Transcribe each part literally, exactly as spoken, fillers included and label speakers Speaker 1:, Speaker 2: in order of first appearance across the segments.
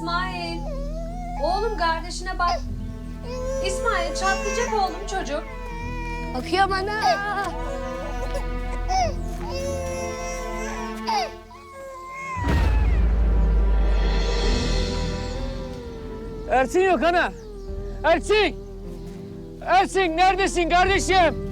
Speaker 1: İsmail. Oğlum kardeşine bak. İsmail çatlayacak oğlum çocuk.
Speaker 2: Bakıyorum ana.
Speaker 3: Ersin yok ana. Ersin! Ersin neredesin kardeşim?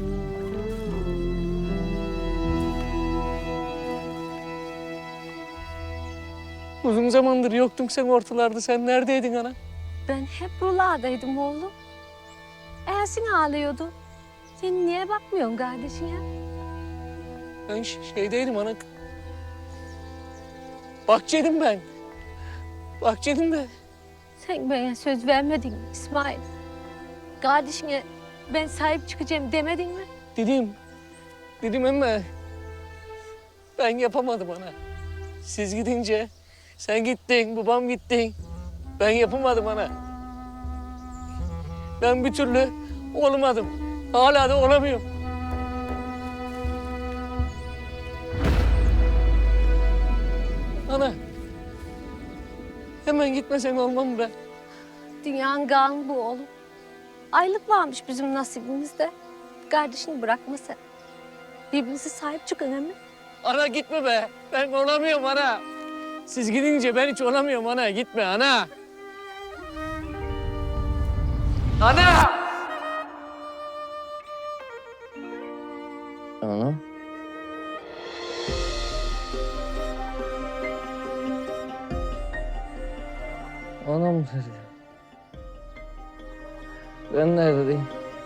Speaker 3: Uzun zamandır yoktun sen ortalarda. Sen neredeydin ana?
Speaker 1: Ben hep buralardaydım oğlum. Ersin ağlıyordu. Sen niye bakmıyorsun kardeşine?
Speaker 3: Ben ş- şeydeydim ana. Bahçedim ben. Bahçedim ben.
Speaker 1: Sen bana söz vermedin mi İsmail? Kardeşine ben sahip çıkacağım demedin mi?
Speaker 3: Dedim. Dedim ama ben yapamadım ana. Siz gidince sen gittin, babam gittin. Ben yapamadım ana. Ben bir türlü olamadım. Hala da olamıyorum. Ana. Hemen gitmesen olmam mı ben?
Speaker 1: Dünyanın kanı bu oğlum. Aylık varmış bizim nasibimizde. Kardeşini bırakma sen. Birbirinize sahip çıkın hemen.
Speaker 3: Ana gitme be. Ben olamıyorum ana. Siz gidince ben hiç olamıyorum ana. Gitme ana. Ana! Ana? Anam dedi. Ben neredeyim?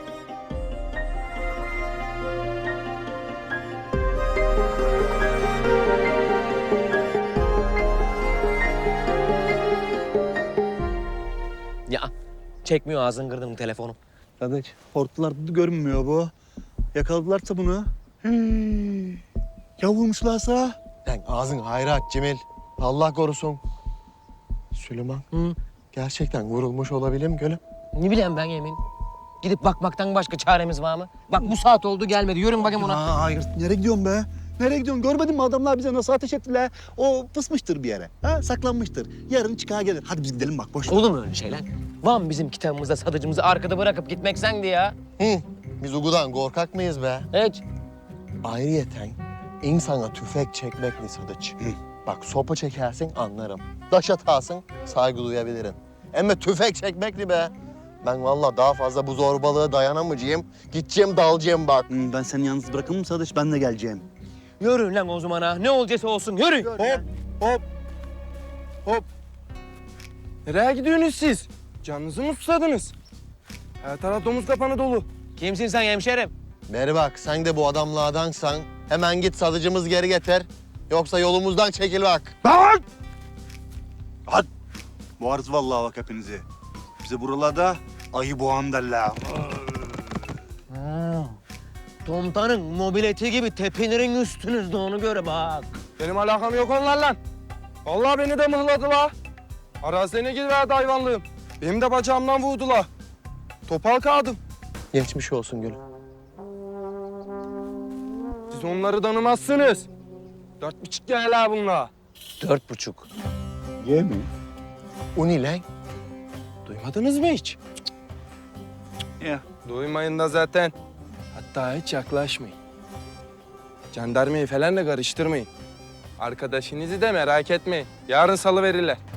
Speaker 4: Ya çekmiyor ağzını kırdım telefonu.
Speaker 5: Kardeş, hortlularda da görünmüyor bu. Yakaladılarsa bunu. Hmm. Ya vurmuşlarsa?
Speaker 6: Lan ağzın hayra aç Cemil. Allah korusun. Süleyman.
Speaker 4: Hı?
Speaker 6: Gerçekten vurulmuş olabilir mi gülüm?
Speaker 4: Ne bileyim ben Emin. Gidip bakmaktan başka çaremiz var mı? Bak bu saat oldu gelmedi. Yürün bakayım ona.
Speaker 5: Aa, hayır. Nereye gidiyorsun be? Nereye gidiyorsun? Görmedin mi adamlar bize nasıl ateş ettiler? O fısmıştır bir yere. Ha? Saklanmıştır. Yarın çıkar gelir. Hadi biz gidelim bak boş ver.
Speaker 4: Olur mu öyle şeyler? Var mı bizim kitabımızda sadıcımızı arkada bırakıp gitmek sendi ya?
Speaker 6: Hı. Biz Ugu'dan korkak mıyız be?
Speaker 4: Hiç.
Speaker 6: Ayrıyeten insana tüfek çekmekle sadıç. Bak sopa çekersin anlarım. Taş atarsın saygı duyabilirim. Ama tüfek çekmekli be. Ben vallahi daha fazla bu zorbalığa dayanamayacağım. Gideceğim dalacağım bak.
Speaker 5: Hmm, ben seni yalnız bırakır mı Sadıç? Ben de geleceğim.
Speaker 4: Yürü lan o zaman ha. Ne olacaksa olsun yürü.
Speaker 5: Hop, hop, hop.
Speaker 7: Nereye gidiyorsunuz siz? Canınızı mı susadınız? Her taraf domuz kapanı dolu.
Speaker 4: Kimsin sen hemşerim?
Speaker 6: Beri bak sen de bu adamlardansan hemen git sadıcımız geri getir. Yoksa yolumuzdan çekil bak.
Speaker 5: Lan! Hadi. Boğarız vallahi bak hepinizi. Bize buralarda ayı boğan derler.
Speaker 4: Ha. Komutanın mobileti gibi tepinirin üstünüzde onu göre bak.
Speaker 7: Benim alakam yok onlarla. Vallahi beni de mıhladılar. Arazine giriverdi hayvanlığım. Benim de bacağımdan vurdular. Topal kaldım.
Speaker 6: Geçmiş olsun gülüm.
Speaker 7: Siz onları tanımazsınız. Dört buçuk gel bunlar.
Speaker 4: Dört buçuk.
Speaker 5: Ye mi?
Speaker 6: O ne lan?
Speaker 7: Duymadınız mı hiç?
Speaker 5: Ya.
Speaker 7: Duymayın da zaten. Hatta hiç yaklaşmayın. Jandarmayı falan da karıştırmayın. Arkadaşınızı da merak etmeyin. Yarın salıverirler.